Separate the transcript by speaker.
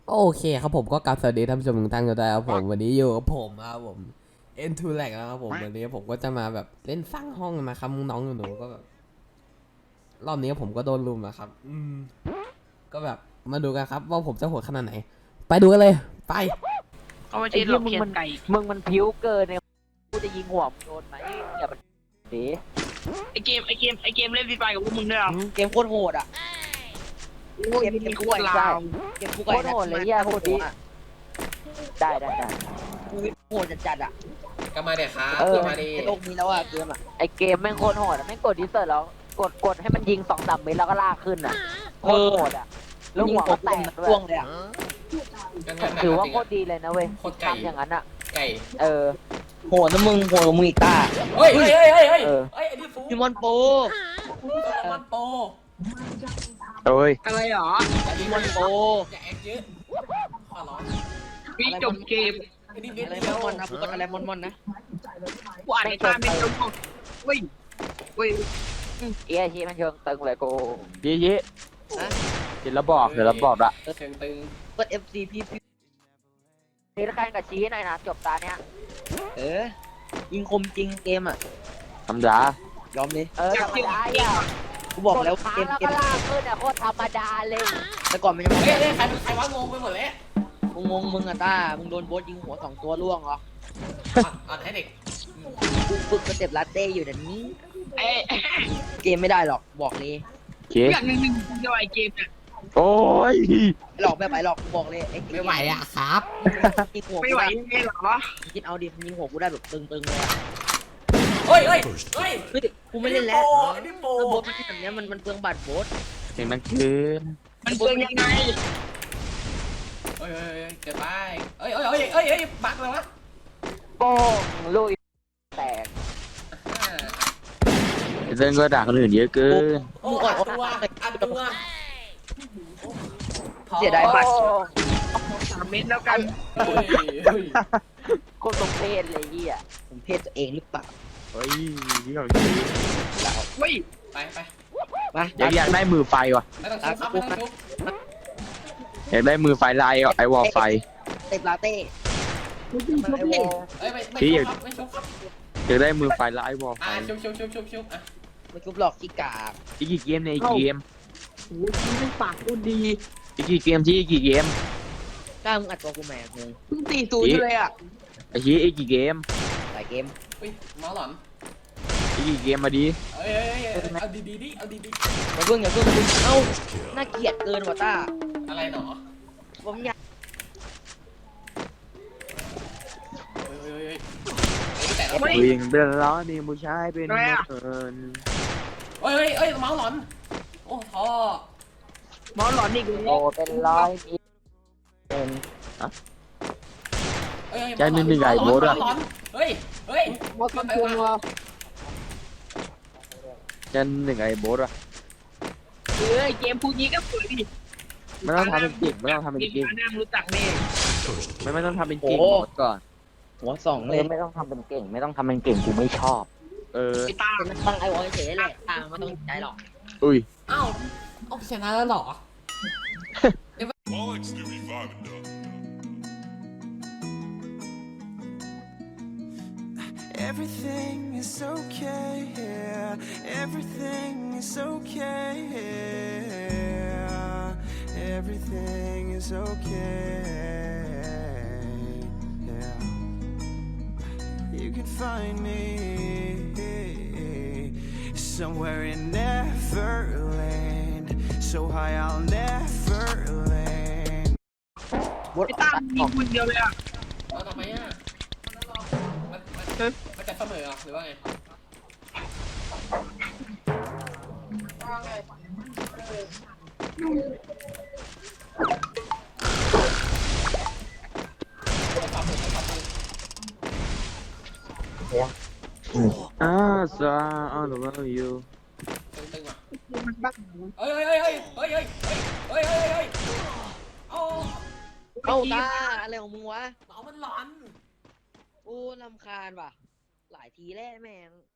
Speaker 1: โอเคครับผมก็กลับสวัสดีท่านผู้ชมทุกท่านกันด้วยครับผมวันนี้อยู่กับผมครับผม N2 Lag นะครับผมวันนี้ผมก็จะมาแบบเล่นสร้างห้องนะครับน้องๆหนูๆก็แบบรอบนี้ผมก็โดนลุมนะครับก็แบบมาดูกันครับว่าผมจะโหดขนาดไหนไปดูกันเลยไป
Speaker 2: ก็ไม่
Speaker 3: ไอ้
Speaker 2: ใช่หล
Speaker 3: เหี้ย
Speaker 2: อก
Speaker 3: มึง
Speaker 2: เคีย
Speaker 3: มัน น
Speaker 2: ไก่
Speaker 3: มึงมันผิวเกินเนี่ยกูจะยิงหัวมึงโดนไหมอย่ามันดี
Speaker 2: ไอเกมเล่นฟรีไฟกับพวกมึงด้วยเหรอ
Speaker 4: เกมโคตรโหดอ่ะ
Speaker 2: เกมโคตรลาว
Speaker 4: เกมคู่
Speaker 3: โค
Speaker 4: ไก่
Speaker 3: ตรโหดเลยเหี้ยโคตรดีได้ได้ได้
Speaker 4: โหดจัดอ่ะ
Speaker 1: ก็มาเดี๋ยวครับ
Speaker 4: เออ
Speaker 1: มาดิ
Speaker 4: ในโลกนี้แล้วอ่ะเกมอ่ะ
Speaker 3: ไอ้เกมแม่งโคตรโหดอะแม่งกดดิสเซอร์แล้วกดให้มันยิง2-3เมตรแล้วก็ลากขึ้นอ่ะโคตรโหดอ่ะแล้วหัวก็แตกด้ว
Speaker 4: ร่วง
Speaker 3: ย
Speaker 4: เลยอ่ะ
Speaker 3: ถือว่าโคตรดีเลยนะเว้ย
Speaker 1: โคตรไก่
Speaker 3: ทำอย่างนั้นอ่ะ
Speaker 1: ไก่
Speaker 3: เออ
Speaker 4: โหดนะมึงโหดกว่ามึงอีกตา
Speaker 1: เฮ้ยเฮ้ยเฮ้ยเฮ้ยเฮ้ย
Speaker 3: เออ
Speaker 1: เฮ้ยไอ้นี่ฟู
Speaker 4: พิมอนโป
Speaker 1: มันโป
Speaker 3: เอ้ย
Speaker 2: อะไรหรอ
Speaker 4: พิมอนโป
Speaker 1: อย่าแอคเยอะขอร้อง
Speaker 2: วิจบเกม
Speaker 1: ไอ้นี่เม็ด
Speaker 4: อะไร
Speaker 1: เดียว
Speaker 4: มอนนะพูดกันอะไรมอนนะ
Speaker 2: กูอ่านในตาไม่จบเว้ยเว้ย
Speaker 3: เอี้ยชี้มันเชิงตึงเลยกูยี่เดี๋ยวเราบอกละ
Speaker 1: เชิงตึง
Speaker 4: เปิด FC พี่
Speaker 3: นี่แข่งกับชี้หน่อยนะจบตาเนี้ย
Speaker 4: ยิงคมจริงเกมอ่ะ
Speaker 3: ธรรมดาย
Speaker 4: อมเลย
Speaker 3: ธรรมดาอ่ะ
Speaker 4: กูบอกแล้ว
Speaker 3: ค้าง
Speaker 4: เกม
Speaker 3: แล้ว
Speaker 4: เก
Speaker 3: ก็
Speaker 4: ม
Speaker 3: ลากขึ้นอ่ะโคตรธรรมดาเลย
Speaker 4: แต่ก่อนมันยัง
Speaker 1: เฮ้ยใครว่างงไปหมดแล้ว
Speaker 4: งงมึงอ่ะตามึงโดนโบสยิงหัว2ตัวล่วงเหรอ
Speaker 1: อ่อนให้เด็ก
Speaker 4: กูฝึกสเต็ปลาเต้อยู่เดี๋ยวนี้
Speaker 2: เอ้ย
Speaker 4: เกมไม่ได้หรอกบอกเลย
Speaker 2: อย่างหนึ่งจะไอเกมเนี่ย
Speaker 3: โอ้ย
Speaker 4: หลอกไม่ไหวหรอกบอกเลย
Speaker 1: ไม่ไหวอ่ะครับ
Speaker 4: ยิงหัว
Speaker 2: ไม่
Speaker 4: กู
Speaker 2: ไหว
Speaker 4: ได้
Speaker 2: ไม่หรอ
Speaker 4: คิดเอาดิยิงหัวกูได้แบบตึงๆเลยอ่ะ
Speaker 1: เฮ้ยเฮ้ยเฮ้ย
Speaker 4: เฮ้ยกูไม่เล่นแล้ว
Speaker 1: ไอ้นี่โป
Speaker 4: โบสมันแบบเนี้ยมันเปลืองบัตรโบส
Speaker 3: เสียงมันคืน
Speaker 2: มันเปิงยังไง
Speaker 1: เฮ้ยเกิดไปเฮ้ยบักเลยวะ
Speaker 3: โป้งลุยแตกเส้นก็ด่าคนอื่นเยอะเกิน
Speaker 1: โอ้อัดตัว
Speaker 4: เสียดายบัตร
Speaker 2: 3 เม็ดแล้วกัน
Speaker 3: คนตรงเพศเลยเหี้ย
Speaker 4: ผมเพศตัวเองหรือเปล่า
Speaker 3: เฮ้ยนี่ของ
Speaker 2: เว้ย
Speaker 1: ไป
Speaker 4: มา
Speaker 3: อยากได้มือไฟว่ะ
Speaker 1: ไม่ต้องชุบครับไม่ต้องชุบ
Speaker 3: อยากได้มือไฟลายไอวอลไฟ
Speaker 4: เต็มลาเต้
Speaker 1: เฮ้ยไม่ชุบครับไม่ชุบครับ
Speaker 3: อยากได้มือไฟลายวอลไฟ
Speaker 1: ชุบอ่ะ
Speaker 4: ไม่ชุบหลอกขี้กาก
Speaker 3: อีกกี่เกมเนี่ยอีกกี่เกม
Speaker 2: โอ้ยไม่ปากกูดี
Speaker 3: อีกกี่เกมที่อีกกี่เกม
Speaker 4: กล้ามึงอัดตัวกูแม่มึง
Speaker 2: เพิ่ง4-0เลยอ่ะ
Speaker 3: ไอ้ชี้อีกกี่เกม
Speaker 4: หลายเกม
Speaker 1: อุ้ยมาหลอน
Speaker 3: อีกกี่เกมมาดิ
Speaker 1: เอ้ยเอาดีเอาดี
Speaker 4: อย่าเพิ่งเอ้าน่าเกลียดเกินว่ะต้า
Speaker 1: อะไรหนอ
Speaker 4: ผมอยาก
Speaker 1: เฮ้ยแต่ละ
Speaker 3: วิ่งเป็นล้อนี่ผู้ชายเป็นเอิญ
Speaker 1: เฮ้ยเมาหลอนโอ้ท่อ
Speaker 2: หมอหลอนอีก
Speaker 3: โอ้เป็นร้อยนี่เป็น
Speaker 1: เฮ้ย
Speaker 2: หมอคำพวงวะ
Speaker 3: จันหนึ่งไอ้โบ๊ทอะ
Speaker 2: เกมพูดนี้ก็สวยดิ
Speaker 3: ไม่ต้องทำเป็นเก่งไม่ต้องทำเป็นเก่ง
Speaker 2: น้ำรู้จักแน่
Speaker 3: ไม่ต้องทำเป็นเก่งหมดก่อน
Speaker 4: หัวสองเลย
Speaker 3: ไม่ต้องทำเป็นเก่งไม่ต้องทำเป็นเก่งกูไม่ชอบ เออ
Speaker 2: ไอ้ตา
Speaker 4: เป็นตั้งไอวอลเฉยๆแหละตาไม่ต้องใจหรอก
Speaker 3: อุ้ย
Speaker 1: อ้าวเอาชนะแล้วหรอ
Speaker 5: Bollocks do reviving though.
Speaker 6: Everything is okay here. Everything is okay here. Everything is okay. Yeah. You can find me somewhere in Neverland. So high I'll never land.
Speaker 4: บด
Speaker 2: ไอ้ตามีคนเดียวเลยอ่ะ
Speaker 1: เอาทำไมอ่ะมันจะเสมอหรือว่าไง
Speaker 3: ซาI love you
Speaker 1: ตึงว่ะ
Speaker 2: มันบ้า
Speaker 1: เฮ้ยเอา
Speaker 4: เอ้าตาอะไรของมึงวะ
Speaker 1: หนอมันหลอน
Speaker 4: โอ้ลำคาญว่ะหลายทีแล้วแม่ง